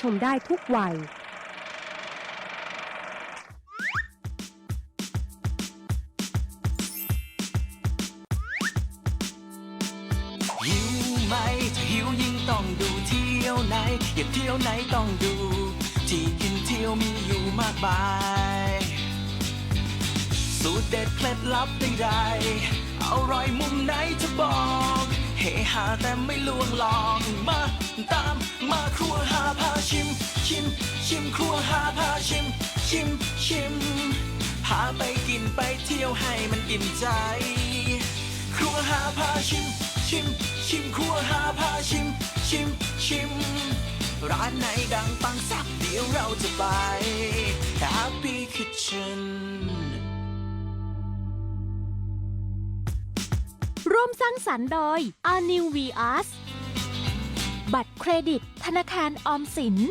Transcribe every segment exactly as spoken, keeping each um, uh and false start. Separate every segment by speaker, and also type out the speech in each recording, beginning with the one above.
Speaker 1: ชมได้ทุกวัย
Speaker 2: หิวไหมถ้าหิวยิ่งต้องดูเที่ยวไหนอยากเที่ยวไหนต้องดู ที่กินเที่ยวมีอยู่มากมายสูตรเด็ดเคล็ดลับใดๆอร่อยมุมไหนจะบอกเฮฮาแต่ไม่ลวงลองมาตามมาครัวหาพาชิมชิมชิมครัวหาพาชิมชิมชิมพาไปกินไปเที่ยวให้มันอิ่มใจครัวหาพาชิมชิมชิมครัวหาพาชิมชิมชิมร้านไหนดังปังสักเดี๋ยวเราจะไป Happy Kitchen
Speaker 3: ร่วมสร้างสรรค์โดย อาร์ นิว วี อาร์ บัตรเครดิตธนาคารออมสิน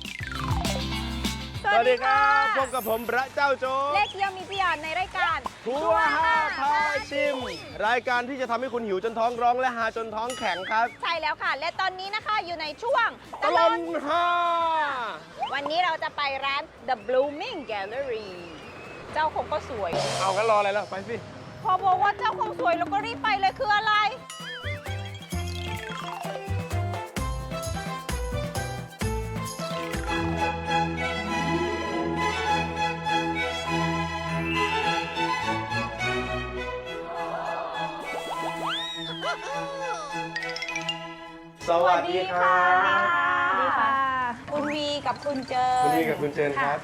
Speaker 4: สวัสดีครับพบกับผมพระเจ้าโจ๊ก
Speaker 5: เลขเยี่ยมมีพี่ยานในรายการ
Speaker 4: ครัวห้าพาชิม รายการที่จะทำให้คุณหิวจนท้องร้องและหาจนท้องแข็งครับ
Speaker 5: ใช่แล้วค่ะ และตอนนี้นะคะอยู่ในช่วง
Speaker 4: ตลอนห้า
Speaker 5: วันนี้เราจะไปร้าน The Blooming Gallery เจ้าคงก็สวย
Speaker 4: เอากันรออะไรล่ะไปสิ
Speaker 5: พอบอกว่าเจ้าคงสวยเราก็รีบไปเลยคืออะไร
Speaker 4: สวัสดีครับ
Speaker 5: สวัสดีค่ะ คุณวีกับคุณเจอ
Speaker 4: คุณนี่กับคุณเจนครับ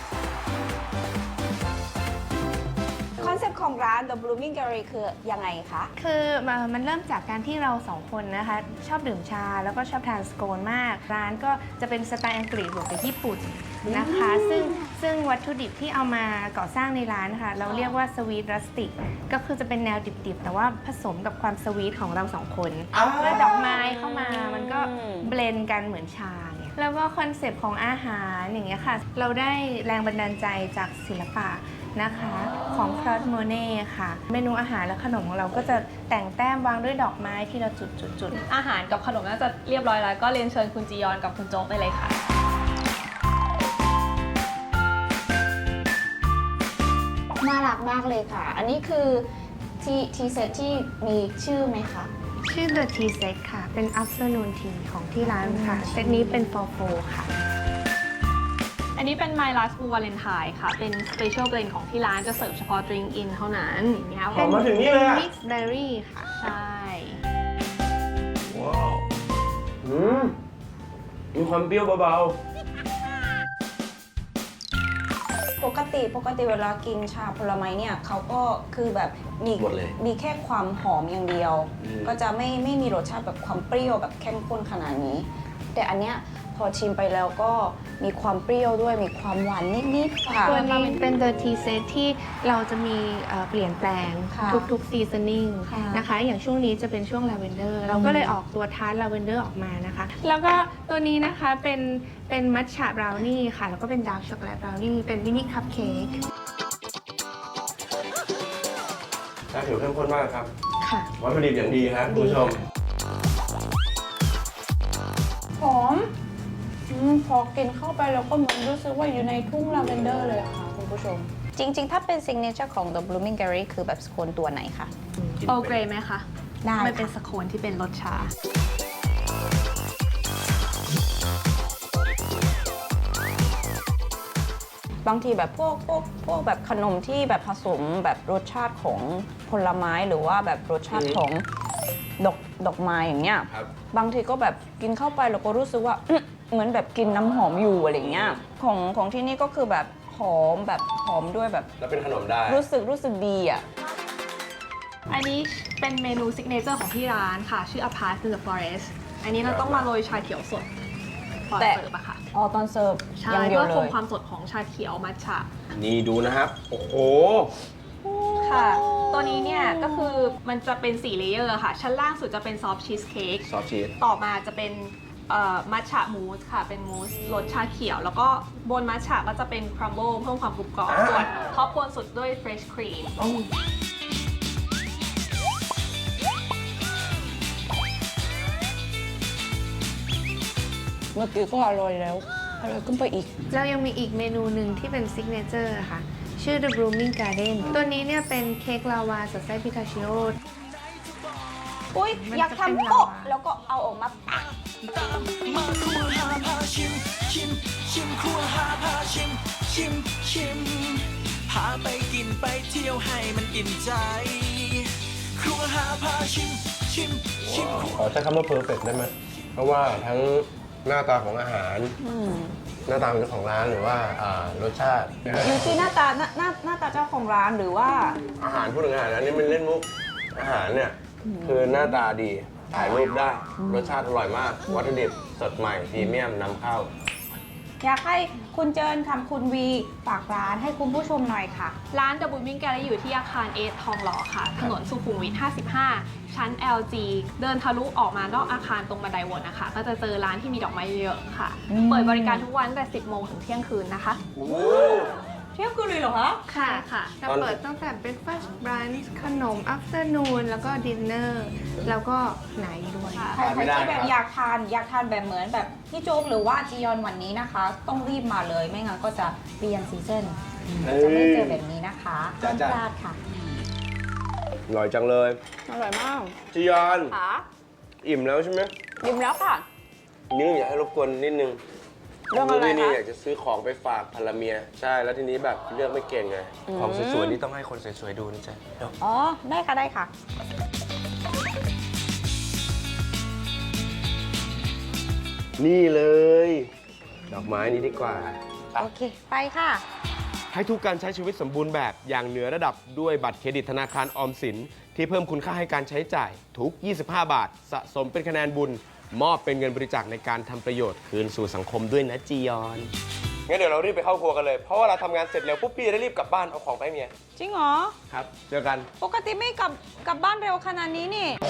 Speaker 5: คอนเซ็ปต์ของร้าน The Blooming Gallery คือยังไงคะ
Speaker 6: คือมันเริ่มจากการที่เราสองคนนะคะชอบดื่มชาแล้วก็ชอบทานสโคนมาก ร้านก็จะเป็นสไตล์อังกฤษบวกกับญี่ปุ่นนะคะ ซึ่งซึ่งวัตถุดิบที่เอามาก่อสร้างในร้านค่ะเราเรียกว่าสวีทรัสติกก็คือจะเป็นแนวดิบๆ แต่ว่าผสมกับความสวีทของเราสองคนแล้วดอกไม้เข้ามามันก็เบลนด์กันเหมือนชาเนี่ยแล้วก็คอนเซปต์ของอาหารอย่างเงี้ยค่ะเราได้แรงบันดาลใจจากศิลปะนะคะของคลอดโมเน่ค่ะเมนูอาหารและขนมของเราก็จะแต่งแต้มวางด้วยดอกไม้ที่เราจุดจุดจุด
Speaker 7: อาหารกับขนมน่าจะเรียบร้อยแล้วก็เรียนเชิญคุณจียอนกับคุณโจ๊กไปเลยค่ะ
Speaker 5: น่ารักมากเลยค่ะ อันนี้คือทีทีเซตที่มีชื่อไหมคะ
Speaker 6: ชื่อ The Tea Set ค่ะ เป็น Afternoon Tea ของที่ร้านค่ะ เซตนี้เป็น for four ค่ะ
Speaker 7: อันนี้เป็น My Last Blue Valentine ค่ะ เป็น Special Blend ของที่ร้านจะเสิร์ฟเฉพาะ Drink In เท่านั้นอย่างเงี้ย
Speaker 4: หอมมาถึงนี่เลยอะ
Speaker 6: Mix Berry ค่ะ
Speaker 7: ใช่
Speaker 4: ว้าวอืมมีความเปรี้ยวเบา
Speaker 5: ปกติปกติเวลากินชาผลไม้เนี่ยเขาก็คือแบบมี
Speaker 4: หมดเลย
Speaker 5: มีแค่ความหอมอย่างเดียว
Speaker 4: อืม
Speaker 5: ก็จะไม่ไม่มีรสชาติแบบความเปรี้ยวแบบเข้มข้นขนาดนี้ แต่อันเนี้ยพอชิมไปแล้วก็มีความเปรี้ยวด้วยมีความหวานนิดๆค่ะ
Speaker 6: ตัวนี้เป็น The Tea Set ที่เราจะมีเอ่อเปลี่ยนแปลง
Speaker 5: ค่ะ
Speaker 6: ทุกๆ seasoning
Speaker 5: ค่ะ
Speaker 6: นะคะ อย่างช่วงนี้จะเป็นช่วง Lavender เราก็เลยออกตัวทาร์ต Lavender ออกมานะคะ แล้วก็ตัวนี้นะคะเป็นเป็นมัทฉะบราวนี่ค่ะ แล้วก็เป็นดาร์กช็อกโกแลตบราวนี่เป็นมินิคัพเค้ก
Speaker 4: ๆชาเขียวเข้มข้นมากครับ
Speaker 6: ค่ะ
Speaker 4: วัตถุดิบอย่างดีครับคุณผู้ชม
Speaker 5: หอมอมพอกินเข้าไปแล้วก็เหมือนรู้สึกว่าอยู่ในทุ่งลาเวนเดอร์เลยค่ะคุณผู้ชม จริงๆ ถ้าเป็นซิงเนเจอร์ของ The Blooming Gallery คือแบบสโคนตัวไหนคะ
Speaker 7: โอเกรไหมคะ
Speaker 5: ได้
Speaker 7: มันเป็น
Speaker 5: ค่ะ
Speaker 7: สโคนที่เป็นรสชา
Speaker 5: บางทีแบบพวกพวกพวกแบบขนมที่แบบผสมแบบรสชาติของผลไม้หรือว่าแบบรสชาติของดอกดอกไม้อย่างเงี้ย
Speaker 4: ครับ
Speaker 5: บางทีก็แบบกินเข้าไปแล้วก็รู้สึกว่าอื้อเหมือนแบบกินน้ำหอมอยู่อะไรเงี้ยของของที่นี่ก็คือแบบหอมแบบหอมด้วยแบบ
Speaker 4: แล้วเป็นขนมได้
Speaker 5: รู้สึกรู้สึกดีอ่ะ
Speaker 7: อันนี้เป็นเมนูซิกเนเจอร์ของที่ร้านค่ะ ชื่อ Apart to the Forest อันนี้เราต้องมาโรยชาเขียวสดก่อน
Speaker 5: แต่
Speaker 7: เสิร์ฟอะค่ะ
Speaker 5: อ๋อตอนเสิร์ฟ
Speaker 7: ใช่
Speaker 5: อย่างเดียว
Speaker 7: เพื่อ
Speaker 5: เล
Speaker 7: คง
Speaker 5: ย
Speaker 7: ความสดของชาเขียวมัทฉะ
Speaker 4: นี่ดูนะครับ โอ้โห
Speaker 7: ค่ะ ตัวนี้เนี่ยก็คือมันจะเป็นสี่เลเยอร์ค่ะ ชั้นล่างสุดจะเป็นซอฟต์ชีสเค้ก
Speaker 4: ซอสชีส
Speaker 7: ต่อมาจะเป็นมัทฉะมูสค่ะ เป็นมูสรสชาเขียว แล้วก็บนมัทฉะก็จะเป็นครัมเบิลเพิ่มความกรุบกรอบ
Speaker 4: อ่า
Speaker 7: ส่วนท็อปบนสุดด้วยเฟรชครีม
Speaker 5: เมื่อกี้ก็อร่อยแล้ว
Speaker 7: อ
Speaker 5: อร่อยขึ้นไปอีก
Speaker 6: เรายังมีอีกเมนูหนึ่งที่เป็นซิกเนเจอร์ค่ะ ชื่อ The Blooming Garden ตัวนี้เนี่ยเป็นเค้กลาวาสอดไส้พิคาชิโอ
Speaker 5: อุ้ย
Speaker 6: มัน
Speaker 5: อยาก
Speaker 6: จะเป็น
Speaker 5: ทำโป๊ะ
Speaker 6: ลาวา
Speaker 5: แล้วก็เอาออกมาปะ
Speaker 2: ตามมาครัวหาพาชิม ชิม ชิมครัวหาพาชิม ชิม ชิม พาไปกินไปเที่ยวให้มันอิ่มใจ ครัวหาพาชิม ชิม ชิม
Speaker 4: ขอใช้คำว่า perfect ได้ไหม เพราะว่าทั้งหน้าตาของอาหาร หน้าตาของเจ้าของร้านหรือว่าอ่ารสชาติ
Speaker 5: อยู่ที่หน้าตาหน้าหน้าหน้าตาเจ้าของร้านหรือว่า
Speaker 4: อาหารพูดถึงอาหารแล้วนี่มันเล่นมุก อาหารเนี่ย คือหน้าตาดี ถ่ายรูปได้ รสชาติอร่อยมาก วัตถุดิบสดใหม่พรีเมียมนำเข้า
Speaker 5: อยากให้คุณเจิญคำคุณวีฝากร้านให้คุณผู้ชมหน่อยค่ะ
Speaker 7: ร้าน The Blooming Gallery อยู่ที่อาคารเอทองหล่อค่ะ ถนนสุขุมวิท ห้าสิบห้า ชั้น แอล จี เดินทะลุออกมานอกอาคารตรงบันไดวนนะคะ ก็จะเจอร้านที่มีดอกไม้เยอะๆค่ะ
Speaker 5: อืม
Speaker 7: เปิดบริการทุกวันตั้งแต่ สิบโมงถึงเที่ยงคืนนะคะ
Speaker 5: เที่ยงคืนเลยเหรอคะ
Speaker 7: ค่ะค่ะ
Speaker 6: เราเปิดตั้งแต่ breakfast brunch ขนม afternoon แล้วก็ dinner แล้วก็ไหนด้วย
Speaker 5: ใคร
Speaker 4: ไม่
Speaker 5: ๆ
Speaker 4: ได้
Speaker 5: ที่แบบ
Speaker 4: ครับ
Speaker 5: อยากทานอยากทานแบบเหมือนแบบพี่โจ๊กหรือว่าจียอนวันนี้นะคะ ต้องรีบมาเลยไม่งั้นก็จะเปลี่ยนซีซั่นจะไม่เจอแบบนี้นะคะห้ามพลาดค่ะ
Speaker 4: อร่อยจังเลย
Speaker 5: อร่อยมาก
Speaker 4: จียอน
Speaker 5: ค่ะ
Speaker 4: อิ่มแล้วใช่ไหม
Speaker 5: ยิ้มแล้วค่ะ
Speaker 4: นี่อยากให้รบกวนนิดนึง
Speaker 5: เรื่องอะไร
Speaker 4: นี่นี่
Speaker 5: คะ
Speaker 4: อยากจะซื้อของไปฝากภรรเมีย ใช่ แล้วทีนี้แบบเลือกไม่เก่งไง ของสวยๆนี่ต้องให้คนสวยๆดูนะจ๊ะเดี๋ยว
Speaker 5: อ๋อ ได้ค่ะได้ค่ะ
Speaker 4: นี่เลย ดอกไม้นี้ดีกว่า
Speaker 5: โอเค ไปค่ะ
Speaker 4: ให้ทุกการใช้ชีวิตสมบูรณ์แบบอย่างเหนือระดับด้วยบัตรเครดิตธนาคารออมสิน ที่เพิ่มคุณค่าให้การใช้จ่ายทุก ยี่สิบห้า บาท สะสมเป็นคะแนนบุญ มอบเป็นเงินบริจาคในการทำประโยชน์คืนสู่สังคมด้วยนะจียอน งั้นเดี๋ยวเรารีบไปเข้าครัวกันเลย เพราะว่าเราทำงานเสร็จแล้วปุ๊บพี่จะได้รีบกลับบ้านเอาของไปให้เมีย
Speaker 5: จริงเหรอ
Speaker 4: ครับ เจอกัน
Speaker 5: ปกติไม่กลับกลับบ้านเร็วขนาดนี้นี่